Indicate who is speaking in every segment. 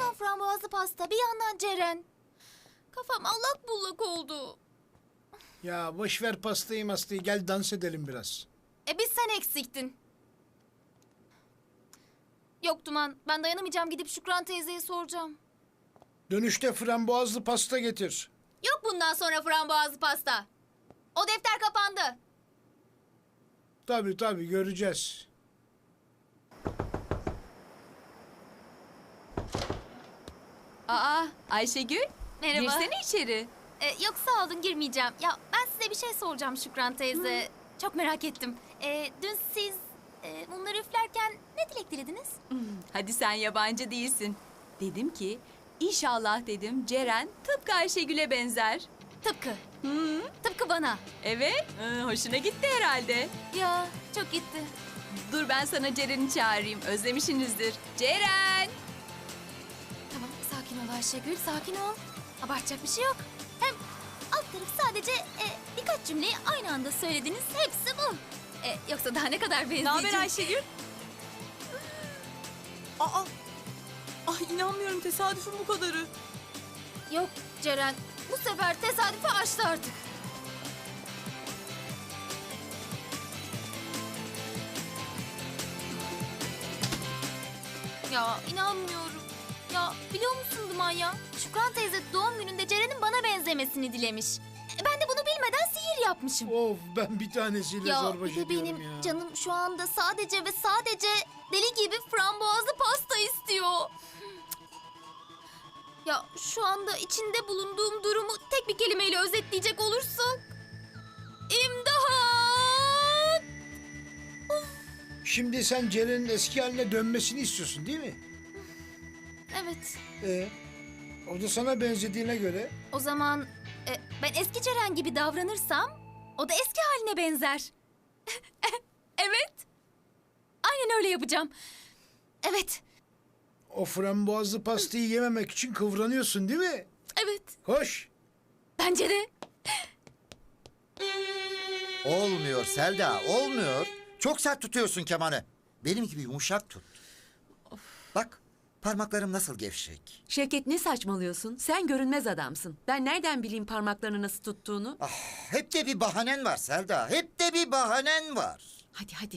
Speaker 1: yandan frambuazlı pasta, bir yandan Ceren. Kafam allak bullak oldu.
Speaker 2: Ya boş ver pastayı mastayı, gel dans edelim biraz.
Speaker 1: Biz sen eksiktin. Yok Duman, ben dayanamayacağım, gidip Şükran teyzeye soracağım.
Speaker 2: Dönüşte frambuazlı pasta getir.
Speaker 1: Yok bundan sonra frambuazlı pasta. O defter kapandı.
Speaker 2: Tabii göreceğiz.
Speaker 3: Aa, Ayşegül.
Speaker 1: Merhaba.
Speaker 3: Girsene içeri.
Speaker 1: Yok sağ olun, girmeyeceğim. Ya ben size bir şey soracağım Şükran teyze. Çok merak ettim. Dün siz bunları üflerken ne dilek dilediniz?
Speaker 3: Hadi sen yabancı değilsin. Dedim ki, inşallah dedim Ceren tıpkı Ayşegül'e benzer.
Speaker 1: Tıpkı. Tıpkı bana.
Speaker 3: Evet, hoşuna gitti herhalde.
Speaker 1: Ya çok gitti.
Speaker 3: Dur ben sana Ceren'i çağırayım, özlemişsinizdir. Ceren!
Speaker 1: Tamam, sakin ol Ayşegül, sakin ol. Abartacak bir şey yok. Hem alt taraf sadece birkaç cümleyi aynı anda söylediniz. Hepsi bu. Yoksa daha ne kadar benzeyecek?
Speaker 3: Ne haber Ayşegül? Aa! Ay inanmıyorum, tesadüfün bu kadarı.
Speaker 1: Yok Ceren, bu sefer tesadüfe açtı artık. Ya inanmıyorum. Ya biliyor musun Duman ya? Şükran teyze doğum gününde Ceren'in bana benzemesini dilemiş. Ben de bunu bilmeden sihir yapmışım.
Speaker 2: Of, ben bir tanesiyle
Speaker 1: Ya
Speaker 2: zor baş
Speaker 1: bir de
Speaker 2: ediyorum
Speaker 1: benim
Speaker 2: ya.
Speaker 1: canım şu anda sadece ve sadece deli gibi frambuazlı pasta istiyor. Ya şu anda içinde bulunduğum durumu tek bir kelimeyle özetleyecek olursak... İmdat!
Speaker 2: Şimdi sen Ceren'in eski haline dönmesini istiyorsun değil mi?
Speaker 1: Evet,
Speaker 2: O da sana benzediğine göre
Speaker 1: o zaman ben eski Ceren gibi davranırsam o da eski haline benzer. Evet, aynen öyle yapacağım. Evet,
Speaker 2: o frambuazlı pastayı yememek için kıvranıyorsun değil mi?
Speaker 1: evet,
Speaker 2: Koş.
Speaker 1: bence de.
Speaker 4: Olmuyor Selda, olmuyor. Çok sert tutuyorsun kemanı. Benim gibi yumuşak tut. Bak, parmaklarım nasıl gevşek.
Speaker 5: Şevket ne saçmalıyorsun? Sen görünmez adamsın. Ben nereden bileyim parmaklarını nasıl tuttuğunu?
Speaker 4: Hep de bir bahanen var Selda, hep de bir bahanen var.
Speaker 5: Hadi.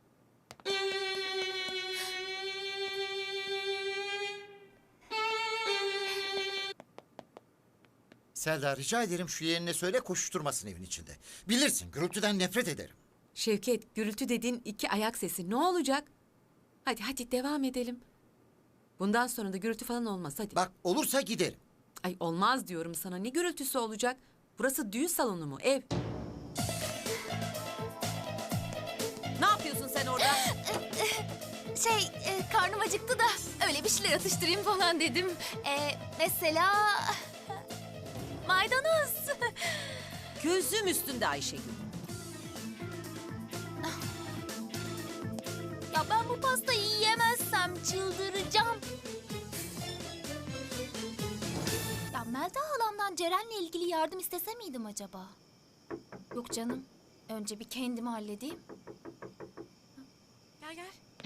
Speaker 4: Selda rica ederim şu yeğenine söyle koşuşturmasın evin içinde. Bilirsin gürültüden nefret ederim.
Speaker 5: Şevket, gürültü dediğin iki ayak sesi. Ne olacak? Hadi devam edelim. Bundan sonra da gürültü falan olmaz hadi.
Speaker 4: Bak olursa giderim.
Speaker 5: Ay olmaz diyorum sana. Ne gürültüsü olacak? Burası düğün salonu mu? Ev. Ne yapıyorsun sen orada?
Speaker 1: Karnım acıktı da öyle bir şeyler atıştırayım falan dedim. Mesela... Maydanoz.
Speaker 5: Gözüm üstünde Ayşegül.
Speaker 1: Ya ben bu pastayı yiyemezsem çıldıracağım. Ya Melda halamdan Ceren'le ilgili yardım istese miydim acaba? Yok canım. Önce bir kendimi halledeyim.
Speaker 3: Gel.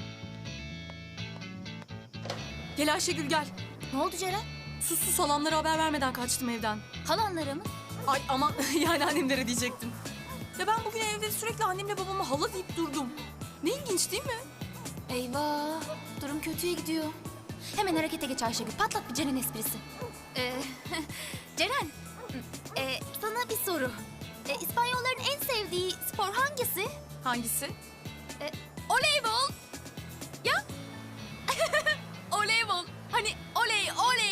Speaker 3: Gel Ayşegül gel.
Speaker 1: Ne oldu Ceren?
Speaker 3: Sus halamlara haber vermeden kaçtım evden.
Speaker 1: Halanlara mı?
Speaker 3: Ay aman yani annemlere diyecektim. Ya ben bugün evde sürekli annemle babama hala deyip durdum. Ne ilginç değil mi?
Speaker 1: Eyvah. Durum kötüye gidiyor. Hemen harekete geç Ayşegül. Patlat bir Ceren esprisi. Ceren. Sana bir soru. İspanyolların en sevdiği spor hangisi?
Speaker 3: Hangisi?
Speaker 1: Voleybol. Ya? Voleybol. Hani oley.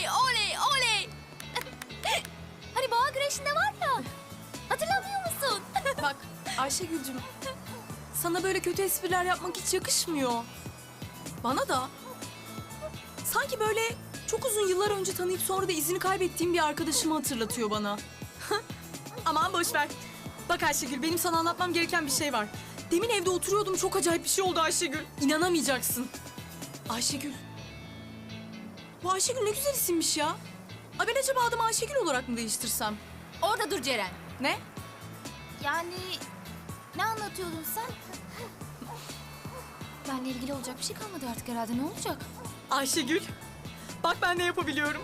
Speaker 1: Hani boğa güreşinde var ya. Hatırlamıyor musun?
Speaker 3: Bak Ayşegül'cüm sana böyle kötü espriler yapmak hiç yakışmıyor. Bana da. Sanki böyle çok uzun yıllar önce tanıyıp sonra da izini kaybettiğim bir arkadaşımı hatırlatıyor bana. Aman boş ver. Bak Ayşegül benim sana anlatmam gereken bir şey var. Demin evde oturuyordum çok acayip bir şey oldu Ayşegül. İnanamayacaksın. Ayşegül. Bu Ayşegül ne güzel isimmiş ya. Ay ben acaba adımı Ayşegül olarak mı değiştirsem?
Speaker 1: Orada dur Ceren.
Speaker 3: Ne?
Speaker 1: Yani ne anlatıyordun sen? Benle ilgili olacak bir şey kalmadı artık herhalde. Ne olacak?
Speaker 3: Ayşegül. Bak ben ne yapabiliyorum.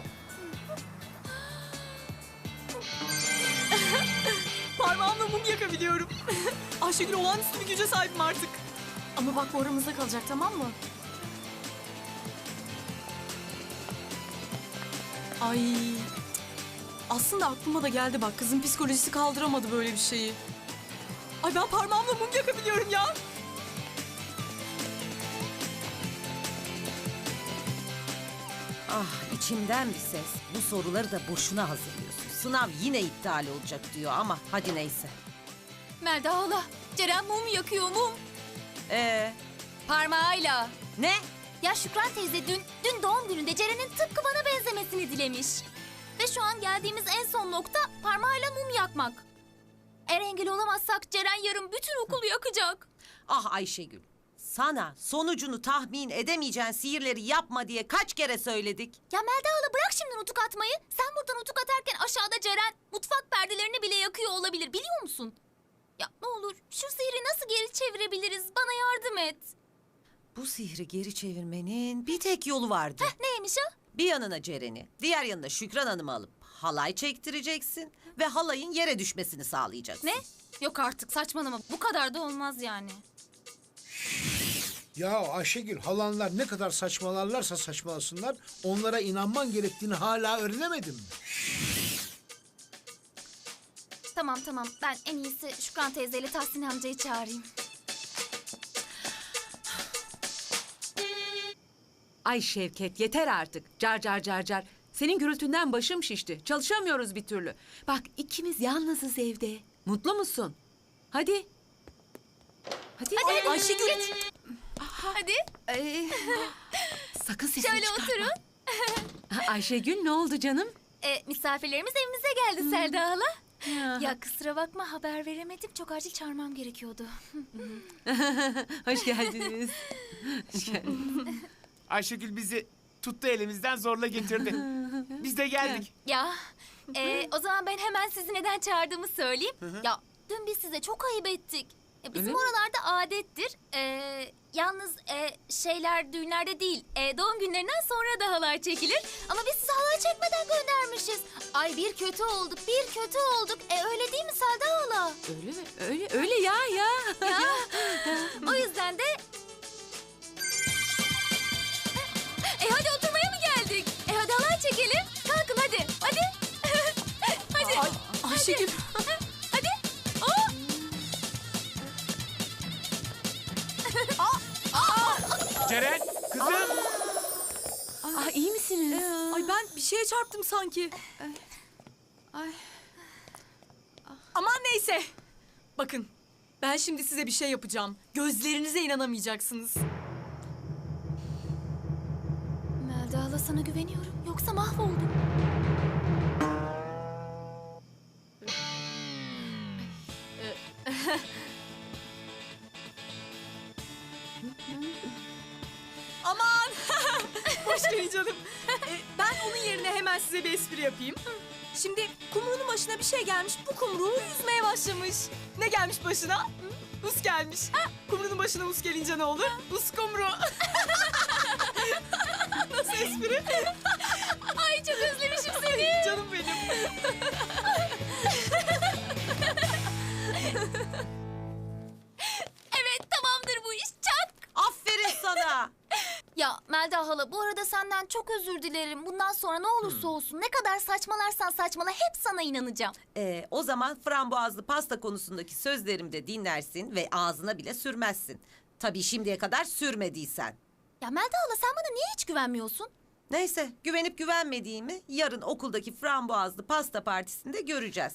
Speaker 3: Parmağımla mum yakabiliyorum. Ayşegül olağanüstü bir güce sahibim artık. Ama bak bu aramızda kalacak, tamam mı? Ay. Aslında aklıma da geldi bak. Kızın psikolojisi kaldıramadı böyle bir şeyi. Ay ben parmağımla mum yakabiliyorum ya.
Speaker 6: Ah içimden bir ses. Bu soruları da boşuna hazırlıyorsun. Sınav yine iptal olacak diyor ama hadi neyse.
Speaker 1: Melda hala, Ceren mum yakıyor mum.
Speaker 6: Parmağıyla. Ne?
Speaker 1: Ya Şükran teyze dün doğum gününde Ceren'in tıpkı bana benzemesini dilemiş. Ve şu an geldiğimiz en son nokta parmağıyla mum yakmak. Eğer engel olamazsak Ceren yarın bütün okulu yakacak.
Speaker 6: Ah Ayşegül. Sana sonucunu tahmin edemeyeceğin sihirleri yapma diye kaç kere söyledik.
Speaker 1: Ya Melda hala bırak şimdi nutuk atmayı. Sen buradan nutuk atarken aşağıda Ceren mutfak perdelerini bile yakıyor olabilir, biliyor musun? Ya ne olur şu sihri nasıl geri çevirebiliriz? Bana yardım et.
Speaker 6: Bu sihri geri çevirmenin bir tek yolu vardı.
Speaker 1: Neymiş o?
Speaker 6: Bir yanına Ceren'i, diğer yanına Şükran Hanım'ı alıp halay çektireceksin ve halayın yere düşmesini sağlayacaksın.
Speaker 1: Ne? Yok artık, saçmalama. Bu kadar da olmaz yani.
Speaker 2: Ya Ayşegül, halanlar ne kadar saçmalarlarsa saçmalasınlar, onlara inanman gerektiğini hala öğrenemedin mi?
Speaker 1: Tamam. Ben en iyisi Şükran teyzeyle Tahsin amcayı çağırayım.
Speaker 5: Ay Şevket yeter artık. Car car car car. Senin gürültünden başım şişti. Çalışamıyoruz bir türlü. Bak ikimiz yalnızız evde. Mutlu musun? Hadi. Hadi.
Speaker 1: Hadi
Speaker 3: Ayşegül.
Speaker 1: geç. Hadi.
Speaker 5: Sakın sesini
Speaker 1: Şöyle
Speaker 5: çıkarma.
Speaker 1: oturun.
Speaker 5: Ayşegül ne oldu canım?
Speaker 1: Misafirlerimiz evimize geldi Selda hala. Ya kusura bakma, haber veremedim. Çok acil çağırmam gerekiyordu.
Speaker 5: Hoş geldiniz. Hoş geldiniz.
Speaker 7: Ayşegül bizi tuttu elimizden zorla getirdi. Biz de geldik.
Speaker 1: Ya o zaman ben hemen sizi neden çağırdığımı söyleyeyim. Ya dün biz size çok ayıp ettik. Bizim
Speaker 5: Öyle mi?
Speaker 1: oralarda adettir. Yalnız şeyler düğünlerde değil, doğum günlerinden sonra da halay çekilir. Ama biz size halay çekmeden göndermişiz. Ay bir kötü olduk. Öyle değil mi Selda hala?
Speaker 5: Öyle mi? Öyle ya.
Speaker 1: Ya o yüzden de... hadi oturmaya mı geldik? Hadi halay çekelim. Kalkın hadi. Hadi. Hadi.
Speaker 3: Ay, Ayşegül.
Speaker 1: Hadi. Oo.
Speaker 7: Ceren, kızım.
Speaker 5: İyi misiniz?
Speaker 3: Ay ben bir şeye çarptım sanki. Aman neyse. Bakın ben şimdi size bir şey yapacağım. Gözlerinize inanamayacaksınız.
Speaker 1: Melda hala, sana güveniyorum. Yoksa mahvoldum.
Speaker 3: Aman! Hoş geldin canım. Ben onun yerine hemen size bir espri yapayım. Şimdi kumruğunun başına bir şey gelmiş. Bu kumruğu yüzmeye başlamış. Ne gelmiş başına? Us gelmiş. Kumruğunun başına us gelince ne olur? Us kumru. Nasıl espri?
Speaker 1: Ay çok özlemişim seni.
Speaker 3: Canım benim.
Speaker 1: Evet, tamamdır bu iş. Çak.
Speaker 6: Aferin sana.
Speaker 1: Ya Melda hala, bu arada senden çok özür dilerim. Bundan sonra ne olursa olsun, ne kadar saçmalarsan saçmala hep sana inanacağım.
Speaker 6: O zaman frambuazlı pasta konusundaki sözlerimi de dinlersin ve ağzına bile sürmezsin. Tabii şimdiye kadar sürmediysen.
Speaker 1: Ya Melda hala, sen bana niye hiç güvenmiyorsun?
Speaker 6: Neyse, güvenip güvenmediğimi yarın okuldaki frambuazlı pasta partisinde göreceğiz.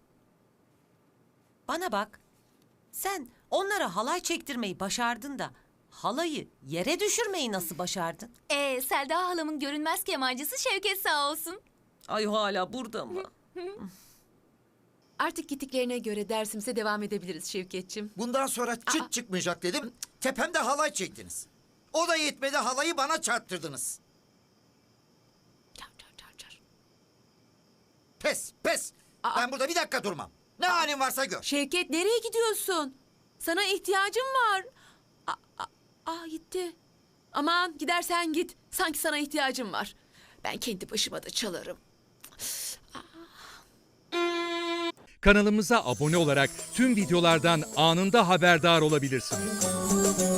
Speaker 6: Bana bak, sen onlara halay çektirmeyi başardın da halayı yere düşürmeyi nasıl başardın?
Speaker 1: Selda halamın görünmez kemancısı Şevket sağ olsun.
Speaker 6: Ay hala burada mı?
Speaker 5: Artık gittiklerine göre dersimize devam edebiliriz Şevketçim.
Speaker 4: Bundan sonra çıt çıkmayacak dedim. Tepemde halay çektiniz. O da yetmedi, halayı bana çarptırdınız.
Speaker 5: Car car car car.
Speaker 4: Pes. Ben burada bir dakika durmam. Ne halin varsa gör.
Speaker 5: Şevket nereye gidiyorsun? Sana ihtiyacım var. Gitti. Aman gidersen git. Sanki sana ihtiyacım var. Ben kendi başıma da çalarım.
Speaker 8: Kanalımıza abone olarak tüm videolardan anında haberdar olabilirsiniz.